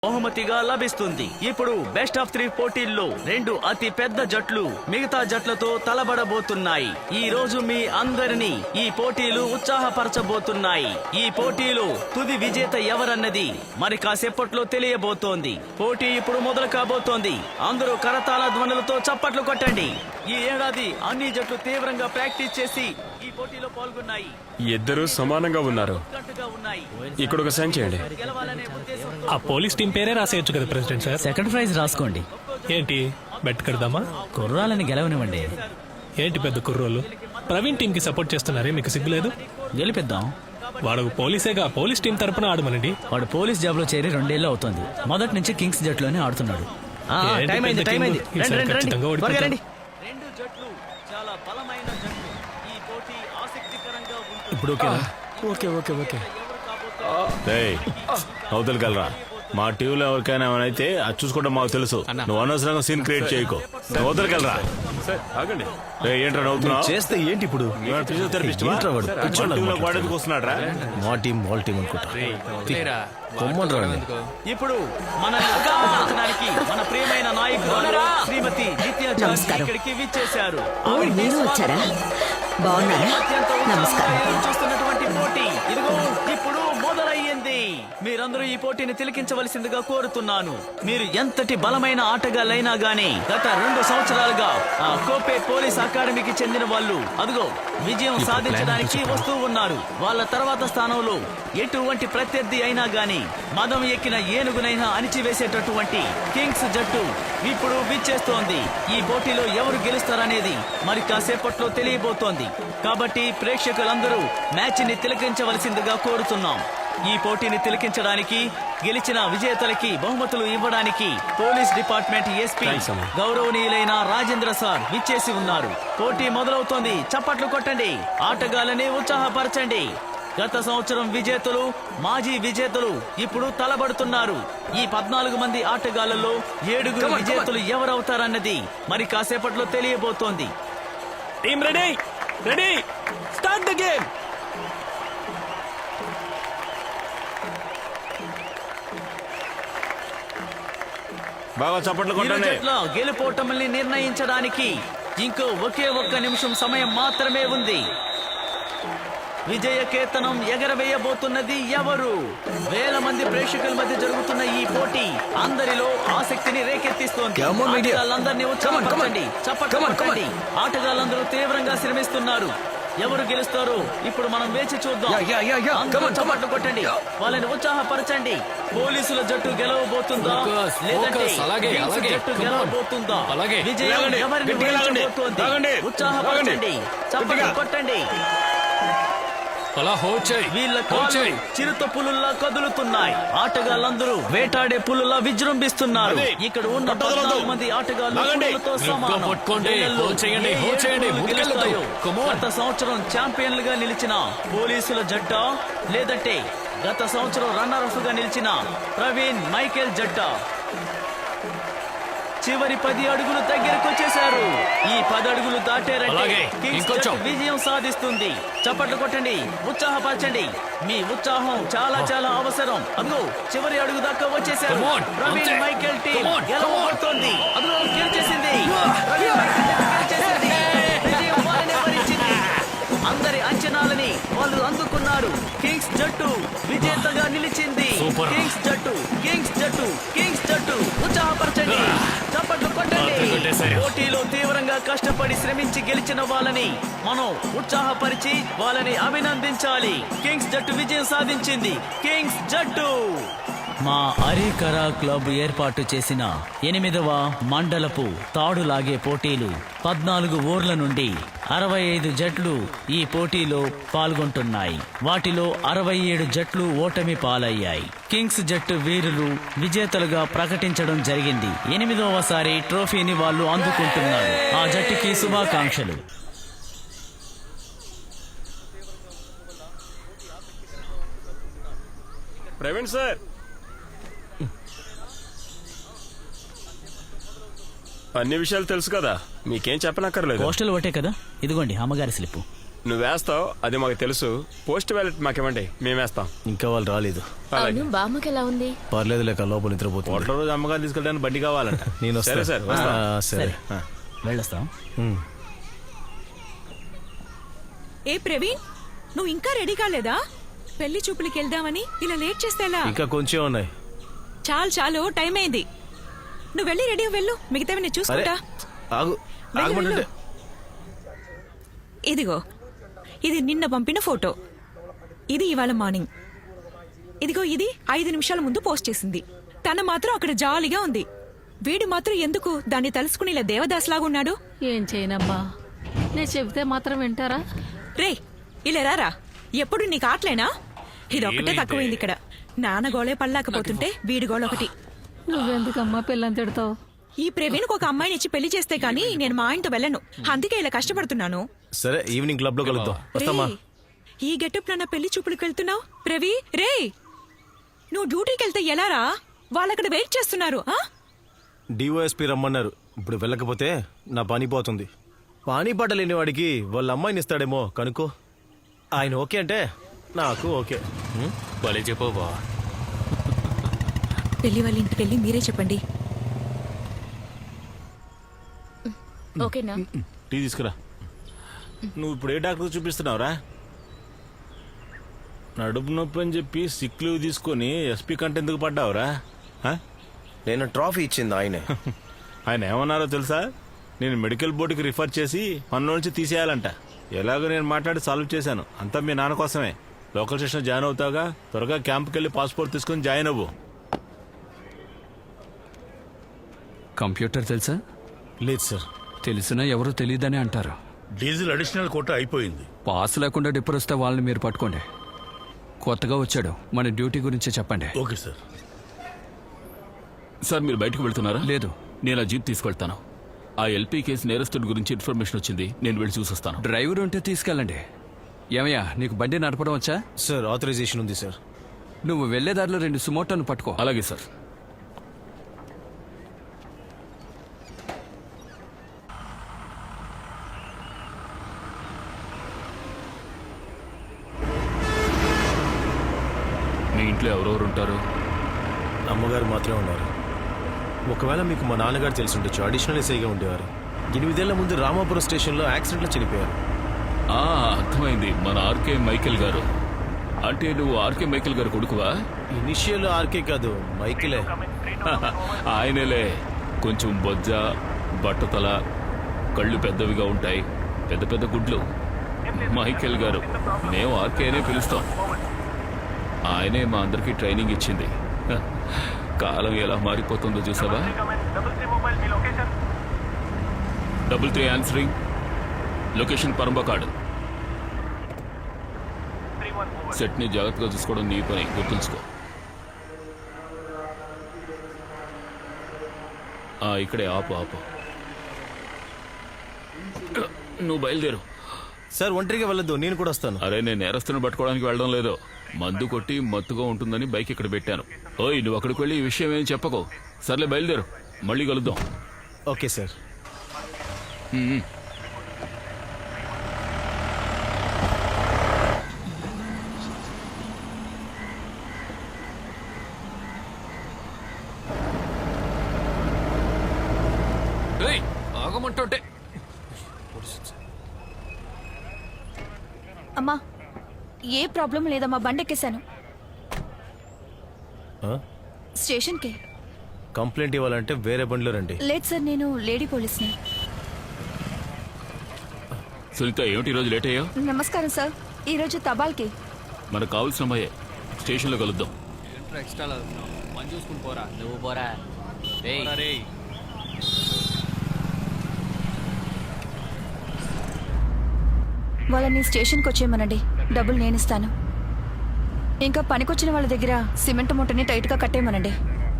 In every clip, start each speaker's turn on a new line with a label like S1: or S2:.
S1: బహుమతిగా లభిస్తుంది. ఇప్పుడు బెస్ట్ ఆఫ్ 3 పోటీల్లో 2 అతి పెద్ద జట్లు మిగతా జట్లతో తలబడబోతున్నాయి. ఈ రోజు మీ అందరినీ ఈ పోటీలు ఉత్సాహపరచబోతున్నాయి. ఈ పోటీలో తుది విజేత ఎవరన్నది మరి కాసేపట్లో తెలియబోతోంది. పోటీ ఇప్పుడు మొదలు కాబోతోంది. అందరూ కరతాళ ధ్వనులతో చప్పట్లు కొట్టండి. ఈ ఏడాది అన్ని జట్లు తీవ్రంగా ప్రాక్టీస్ చేసి ఈ పోటీలో పాల్గొన్నాయి.
S2: ఇద్దరు సమానంగా ఉన్నారు. ఇక్కడ ఒక సైన్ చేయండి.
S3: ఆ పోలీస్ టీం పేరే రాసేయచ్చు కదా ప్రెసిడెంట్ సార్.
S1: సెకండ్ ప్రైజ్ రాసుకోండి.
S3: ఏంటి బెట్ కడదామా?
S1: కుర్రాలని గెలవనివ్వండి.
S3: ఏంటి పెద్ద కుర్రోళ్ళు ప్రవీణ్ టీం కి సపోర్ట్ చేస్తున్నారే, మీకు సిగ్గులేదు?
S1: గెలిపిద్దాం.
S3: వాడు పోలీసేగా, పోలీస్ టీం తరపున ఆడమనండి.
S1: వాడు పోలీస్ జాబ్ లో చేరి 2 ఏళ్ళు అవుతోంది. మొదటి నుంచి కింగ్స్ జట్లోనే ఆడుతున్నాడు.
S3: ఏంటి
S1: టైం అయింది,
S3: పెద్ద
S1: టైం అయింది.
S3: టీం? ఈసారి ఖచ్చితంగా ఓడిపోతాం.
S1: రెండు జట్లు చాలా బలమైన జట్లు. ఈ పోటీ ఆసక్తికరంగా ఉంటుంది.
S2: ఇప్పుడు ఓకే ఓకే ఓకే
S4: అవతలకెళ్ళరా. మా టీంలో ఎవరికైనా ఏమైనా అది చూసుకోవడం మాకు తెలుసు. నువ్వు అనవసరంగా సీన్ క్రియేట్ చేయకు. అవతలకెళ్ళరా.
S2: సార్ ఆగండి.
S4: ఏంట్రా నవ్వుతున్నావు?
S5: చేస్తే ఏంటి ఇప్పుడు?
S4: ఫిజియోథెరపిస్ట్ వాడేందుకు వస్తున్నాడు రా?
S5: మా టీం వాళ్ళ టీం అనుకుంటా.
S1: ఇప్పుడు మన మన ప్రియమైన నాయకురాలు శ్రీమతి నిత్య ఇక్కడికి విచ్చేశారు.
S6: మీరు వచ్చారా? బాగున్నారా? నమస్కారం.
S1: చూస్తున్నటువంటి పోటీ ఇదిగో ఇప్పుడు మొదలయ్యింది. మీరందరూ ఈ పోటీని తిలకించవలసిందిగా కోరుతున్నాను. మీరు ఎంతటి బలమైన ఆటగాళ్ళైనా గానీ గత 2 సంవత్సరాలుగా ఆ కోపే పోలీస్ అకాడమీకి చెందిన వాళ్ళు అదిగో విజయం సాధించడానికి వస్తూ ఉన్నారు. వాళ్ళ తర్వాత స్థానంలో ఎటువంటి ప్రత్యర్థి అయినా గానీ మదం ఎక్కిన ఏనుగునైనా అణిచివేసేటటువంటి కింగ్స్ జట్టు ఇప్పుడు విచ్చేస్తోంది. ఈ పోటీలో ఎవరు గెలుస్తారనేది మరి కాసేపట్లో తెలియబోతోంది. కాబట్టి ప్రేక్షకులందరూ మ్యాచ్ ని తిలకించవలసిందిగా కోరుతున్నాం. ఈ పోటీని తిలకించడానికి గెలిచిన విజేతలకి బహుమతులు ఇవ్వడానికి పోలీస్ డిపార్ట్మెంట్ ఎస్పీ గౌరవనీయులైన రాజేంద్ర సార్ విచ్చేసి ఉన్నారు. పోటీ మొదలవుతోంది. చప్పట్లు కొట్టండి. ఆటగాళ్ళని ఉత్సాహపరచండి. గత సంవత్సరం విజేతలు, మాజీ విజేతలు ఇప్పుడు తలబడుతున్నారు. ఈ 14 మంది ఆటగాళ్లలో 7 విజేతలు ఎవరవుతారన్నది మరి కాసేపట్లో తెలియబోతోంది.
S3: Team ready, ready, start the game.
S4: బాగా చప్పట్లు కొట్టండి.
S1: గెలుపోటముల్ని నిర్ణయించడానికి ఇంకో ఒకే ఒక్క నిమిషం సమయం మాత్రమే ఉంది. విజయ కేతనం ఎగరవేయబోతున్నది ఎవరు? వేల మంది ప్రేక్షకుల మధ్య జరుగుతున్న ఈ పోటీ అందరిలో ఆసక్తిని రేకెత్తిస్తోంది. ఆటగాళ్ళందరినీ ఉత్సాహపరచండి. చప్పట్లు కొట్టండి. ఆటగాళ్ళందరూ తీవ్రంగా శ్రమిస్తున్నారు. ఎవరు గెలుస్తారో ఇప్పుడు మనం వేచి చూద్దాం. అందరూ చప్పట్లు కొట్టండి. వాళ్ళని ఉత్సాహపరచండి. పోలీసుల జట్టు గెలవబోతుందా లేదంటే కింగ్స్ జట్టు గెలవబోతుందా? విజయం ఎవరిని వరించబోతోంది? ఉత్సాహపరచండి. చప్పట్లు కొట్టండి. వీళ్ళ కాళ్ళు చిరుత పులుల్లా కదులుతున్నాయి. ఆటగాళ్ళందరూ వేటాడే పులులా విజృంభిస్తున్నారు. ఇక్కడ ఉన్న 14 మంది ఆటగాళ్ళు పులులతో సమానం. గత సంవత్సరం ఛాంపియన్లుగా నిలిచిన పోలీసుల జట్ట లేదంటే గత సంవత్సరం రన్నర్ అప్ గా నిలిచిన ప్రవీణ్ మైకేల్ జట్ట చివరి 10 అడుగులు దగ్గరకు వచ్చేశారు. ఈ 10 అడుగులు దాటారంటే కింగ్స్ జట్టు విజయం సాధిస్తుంది. చప్పట్లు కొట్టండి. ఉత్సాహపరచండి. మీ ఉత్సాహం చాలా చాలా అవసరం. అదిగో చివరి అడుగు దాకా వచ్చేసారు. ప్రవీణ్ మైకేల్ టీం గెలవబోతోంది. అదిగో గెలిచేసింది. విజయం వారినే వరించింది. అందరి అంచనాలని వాళ్ళు అందుకున్నారు. కింగ్స్ జట్టు విజేతగా నిలిచింది. కింగ్స్ జట్టు, కింగ్స్ జట్టు, కింగ్స్ జట్టు. ఉత్సాహపరచండి. చప్పట్లు కొట్టండి. పోటీలో తీవ్రంగా కష్టపడి శ్రమించి గెలిచిన వాళ్ళని మనం ఉత్సాహపరిచి వాళ్ళని అభినందించాలి. కింగ్స్ జట్టు విజయం సాధించింది. కింగ్స్ జట్టు. మా అరీకరా క్లబ్ ఏర్పాటు చేసిన 8వ మండలపు తాడు లాగే పోటీలు 14 ఊర్ల నుండి 65 జట్లు ఈ పోటీలో పాల్గొంటున్నాయి. వాటిలో 67 జట్లు ఓటమి పాలయ్యాయి. కింగ్స్ జట్టు వీరులు విజేతలుగా ప్రకటించడం జరిగింది. 8వసారి ట్రోఫీని వాళ్ళు అందుకుంటున్నారు. ఆ జట్టుకి శుభాకాంక్షలు.
S2: ప్రవీణ్ సార్, అన్ని విషయాలు తెలుసు కదా, మీకేం చెప్పనక్కర్లేదు.
S1: పోస్టల్ ఒకటే కదా. ఇదిగోండి అమ్మగారి స్లిప్.
S2: నువ్వు వేస్తావు, అది మాకు తెలుసు. పోస్ట్ బ్యాలెట్ మాకేమండి, మేము వేస్తాం.
S5: ఇంకా వాళ్ళు రాలేదు.
S7: అవును బామ్మకి ఎలా ఉంది?
S5: పర్లేదు లేక లోపల నిద్రపోతుంది.
S4: ఓట్ల రోజు అమ్మగారు తీసుకెళ్ళడానికి బండి కావాలంట.
S5: నేను
S4: సరే
S5: వస్తా.
S4: సార్, వస్తా.
S5: సరే.
S1: వెళ్ళొస్తాం.
S8: ఏ ప్రవీణ్, నువ్వు ఇంకా రెడీ కాలేదా? పెళ్లి చూపులకి వెళ్దామని ఇలా లేట్ చేస్తే ఎలా?
S5: ఇంకా కొంచెం ఉన్నాయి.
S8: చాలు చాలు, టైం అయింది. నువ్వు వెళ్ళి రెడీ వెళ్ళు, మిగతావి నేను
S5: అరే
S8: చూసుకుంటా.
S5: ఆగు,
S8: వెళ్ళు,
S5: ఆగమంటే
S8: వెళ్ళు. ఇదిగో, ఇది నిన్న పంపిన ఫోటో. ఇది ఇవాళ మార్నింగ్. ఇదిగో, ఇది 5 నిమిషాల ముందు పోస్ట్ చేసింది. తన మాత్రం అక్కడ జాలీగా ఉంది. వీడు మాత్రం ఎందుకు దాన్ని తలుసుకుని ఇలా దేవదాస్లాగున్నాడు?
S7: ఏం చేయనమ్మా, నేను చెబితే మాత్రం వింటారా?
S8: రే, ఇలా రారా. ఎప్పుడు నీకు ఆటలేనా? ఇదొక్కటే తక్కువైంది ఇక్కడ. నాన్న గోళే పడలేకపోతుంటే వీడి గోళ ఒకటి.
S7: నువ్వెందుకమ్మా పిల్లని తిడతావు?
S8: ఈ ప్రవీణ్కి ఒక అమ్మాయిని ఇచ్చి పెళ్లి చేస్తే గానీ నేను మా ఆయనతో వెళ్ళను. అందుకే ఇలా కష్టపడుతున్నాను.
S5: సరే, ఈవినింగ్ క్లబ్ లో కలుద్దాం. వస్తామా?
S8: రేయ్, ఈ గెటప్ నా పెళ్లి చూపులకు వెళ్తున్నావు ప్రవీ? రే, నువ్వు డ్యూటీకి వెళ్తే ఎలా రా? వాళ్ళక్కడ వెయిట్ చేస్తున్నారు.
S5: డిఓఎస్పీ రమ్మన్నారు. ఇప్పుడు వెళ్ళకపోతే నా పని పోతుంది. పానీ పాట లేని వాడికి వాళ్ళ అమ్మాయిని ఇస్తాడేమో కనుక్కో. ఆయన ఓకే అంటే నాకు ఓకే.
S3: భలే చెప్పవా.
S8: పెళ్లి వాళ్ళ ఇంటికి వెళ్ళి మీరే చెప్పండి.
S7: ఓకేనా?
S4: టీ తీసుకురా. నువ్వు ఇప్పుడు ఏ డాక్టర్ చూపిస్తున్నావురా? నడుపు నొప్పి అని చెప్పి సిక్ లీవ్ తీసుకొని ఎస్పీ కంటే ఎందుకు పడ్డావురా?
S5: నేను ట్రాఫీ ఇచ్చింది ఆయనే.
S4: ఆయన ఏమన్నారో తెలుసా? నేను మెడికల్ బోర్డుకి రిఫర్ చేసి పనిలో నుంచి తీసేయాలంట. ఎలాగో నేను మాట్లాడి సాల్వ్ చేశాను. అంతా మీ నాన్న కోసమే. లోకల్ స్టేషన్ జాయిన్ అవుతాగా, త్వరగా క్యాంప్కి వెళ్ళి పాస్పోర్ట్ తీసుకొని జాయిన్ అవ్వు.
S9: కంప్యూటర్ తెలుసా?
S5: లేదు సార్.
S9: తెలిసినా ఎవరో తెలియదని అంటారు.
S10: డీజిల్ అడిషనల్ కోటా అయిపోయింది.
S9: పాస్ లేకుండా డిప్పర్ వస్తే వాళ్ళని మీరు పట్టుకోండి. కొత్తగా వచ్చాడు, మన డ్యూటీ గురించి చెప్పండి.
S10: Okay sir.
S11: సార్ మీరు బయటకు వెళ్తున్నారా?
S9: లేదు,
S11: నేను ఆ జీప్ తీసుకెళ్తాను. ఆ ఎల్పీ కేసు నేరస్తుడి గురించి ఇన్ఫర్మేషన్ వచ్చింది, నేను వెళ్ళి చూసొస్తాను.
S9: డ్రైవర్ ఉంటే తీసుకెళ్ళండి. ఏమయ్యా, నీకు బండి నడపడం వచ్చా?
S5: సార్, ఆథరైజేషన్ ఉంది సార్.
S9: నువ్వు వెళ్లే దారిలో 2 సుమోటోను పట్టుకో.
S11: అలాగే సార్. మీ ఇంట్లో ఎవరెవరు ఉంటారు?
S5: అమ్మగారు మాత్రమే ఉన్నారు. ఒకవేళ మీకు మా నాన్నగారు తెలిసి ఉండొచ్చు. అడిషనల్ ఎస్ఐగా ఉండేవారు. 8 ఏళ్ల ముందు రామాపురం స్టేషన్లో యాక్సిడెంట్లో చనిపోయారు.
S11: అర్థమైంది, మన ఆర్కే మైకేల్ గారు. అంటే నువ్వు ఆర్కే మైకేల్ గారు కొడుకువా?
S5: ఇనిషియల్ ఆర్కే కాదు, మైకిలే.
S11: ఆయనలే. కొంచెం బొజ్జ, బట్టతల, కళ్ళు పెద్దవిగా ఉంటాయి, పెద్ద పెద్ద గుడ్లు. మైకేల్ గారు. మేము ఆర్కే అనే పిలుస్తాం. ఆయనే మా అందరికీ ట్రైనింగ్ ఇచ్చింది. కాలం ఎలా మారిపోతుందో చూసావా? 33 ఆన్సరింగ్. లొకేషన్ పరంబకాడు. సెట్ ని జాగ్రత్తగా చూసుకోవడం నీ పని, గుర్తుంచుకో. ఇక్కడే ఆపు ఆపు. నువ్వు బయలుదేరు.
S5: సార్, ఒంటరిగా వెళ్ళొద్దు, నేను కూడా వస్తాను.
S11: అరే, నేను నేరస్తుని పట్టుకోవడానికి వెళ్ళడం లేదు. మందు కొట్టి మత్తుగా ఉంటుందని బైక్ ఇక్కడ పెట్టాను. ఓయ్, నువ్వు అక్కడికి వెళ్ళి ఈ విషయం ఏం చెప్పకో. సర్లే, బయలుదేరు, మళ్ళీ కలుద్దాం.
S5: Okay sir.
S9: ఆగమంటుంటే.
S7: అమ్మా, ఏ ప్రాబ్లం లేదమ్మా, బండెక్కేశాను. స్టేషన్కి.
S5: కంప్లైంట్ ఇవ్వాలంటే వేరే బండిలో రండి.
S7: లేదు సార్, నేను లేడీ పోలీస్ని.
S11: సునీత, ఏమిటి ఈరోజు లేట్ అయ్యా?
S7: నమస్కారం సార్, ఈరోజు తబాల్కి.
S11: మనకు కావాల్సిన అమ్మాయే. స్టేషన్లో కలుద్దాం.
S1: నువ్వు పోరా.
S7: వాళ్ళని స్టేషన్కి వచ్చేయమనండి, డబ్బులు నేను ఇస్తాను. ఇంకా పనికొచ్చిన వాళ్ళ దగ్గర సిమెంట్ మూటని టైట్గా కట్టేయమనండి.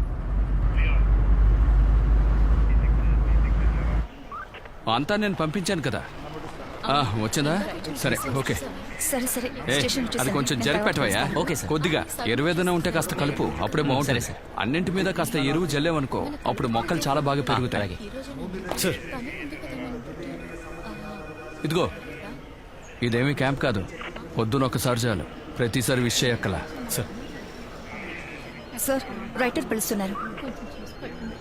S9: అంతా నేను పంపించాను కదా. వచ్చిందా? సరే, ఓకే.
S7: సరే సరే, స్టేషన్
S9: అది కొంచెం జరిపెట్టవయ్యా.
S1: Okay sir.
S9: కొద్దిగా ఎరువేదన ఉంటే కాస్త కలుపు, అప్పుడే బాగుంటుంది. అన్నింటి మీద కాస్త ఎరువు జల్లేవనుకో, అప్పుడు మొక్కలు చాలా బాగా పెరుగుతాయి.
S5: సార్,
S9: ఇదిగో, ఇదేమీ క్యాంప్ కాదు. పొద్దున ఒకసారి చాలు, ప్రతిసారి విష్ చేయక్కల.
S5: సార్
S7: సార్ రైటర్ పిలుస్తున్నారు.